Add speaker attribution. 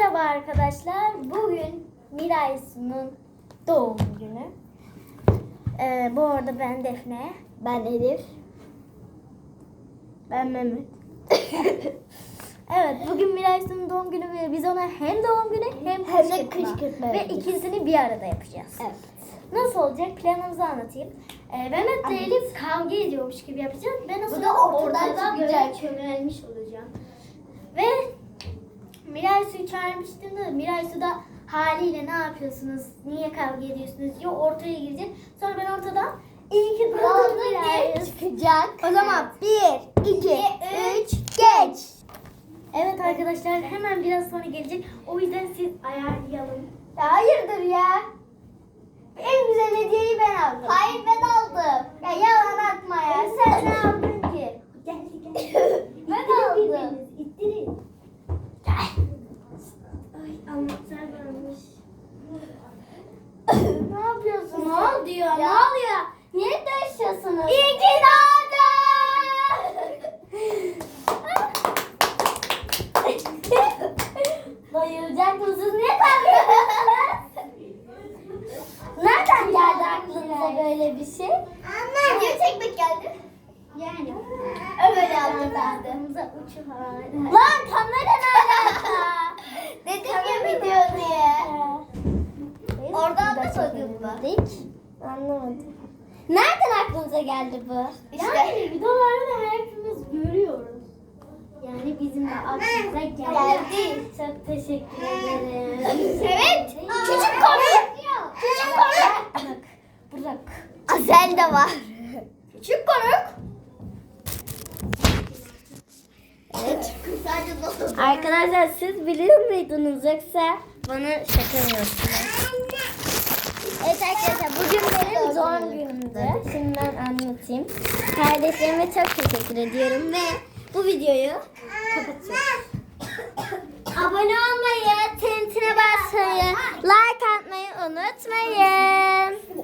Speaker 1: Merhaba arkadaşlar. Bugün Miraysu'nun doğum günü. Bu arada ben Defne. Ben Elif. Ben Mehmet. Evet, bugün Miraysu'nun doğum günü ve biz ona hem doğum günü hem
Speaker 2: de kışkırtma
Speaker 1: ve
Speaker 2: yapacağız.
Speaker 1: ikisini bir arada yapacağız.
Speaker 2: Evet.
Speaker 1: Nasıl olacak? Planımızı anlatayım. Mehmet'le Elif kavga ediyormuş gibi yapacağız. Ben o
Speaker 2: Bu
Speaker 1: sırada
Speaker 2: da ortadan
Speaker 1: ortadan böyle
Speaker 2: çıkacak.
Speaker 1: çömelmiş olacağım. Ve Miraysu'yu çağırmıştım da Miraysu da haliyle ne yapıyorsunuz? Niye kavga ediyorsunuz? Diyor ortaya girecek. Sonra ben ortadan iyi ki doğdun Miraysu.
Speaker 2: Çıkacak.
Speaker 1: O zaman
Speaker 2: 1, 2, 3, geç.
Speaker 1: Evet arkadaşlar hemen biraz sonra gelecek. O yüzden siz ayarlayalım.
Speaker 2: Ya hayırdır ya? En güzel hediyeyi ben aldım. Hayır ben aldım. Ya yalan atma ya. Sen ne aldın ki?
Speaker 1: Geldi.
Speaker 2: Ben
Speaker 1: İttirin
Speaker 2: aldım.
Speaker 1: birbirinizi, İttirin. Ay anahtar varmış.
Speaker 2: Ne yapıyorsun?
Speaker 1: Ne oldu ya? Ne
Speaker 2: oluyor? Niye dövüşüyorsunuz?
Speaker 1: İyi ki doğdun.
Speaker 2: Bayılacak mısınız? Niye kalkıyorsunuz? Nereden geldi aklınıza böyle bir şey? Anne. Video çekmek geldi.
Speaker 1: Yani.
Speaker 2: Öyle yaptım ben de.
Speaker 1: Aklımıza uçuyor.
Speaker 2: Lan kamera nerede? Dedim ya video diye. Oradan da koydun mu? Anlamadım. Nereden aklınıza geldi bu?
Speaker 1: Yani videolarda hepimiz görüyoruz. Yani bizim de aklımıza geldi. Çok teşekkür ederim.
Speaker 2: Evet. Küçük komik. Küçük komik.
Speaker 1: Bırak.
Speaker 2: Asel de var. Küçük komik. Evet.
Speaker 1: Arkadaşlar siz biliyor muydunuz yoksa bana şaka mı yapıyorsunuz?
Speaker 2: Evet arkadaşlar
Speaker 1: Bugün benim doğum günümdü. Şimdi ben anlatayım. Kardeşlerime çok teşekkür ediyorum ve bu videoyu kapatıyorum. Abone olmayı, tintine basmayı, like atmayı unutmayın.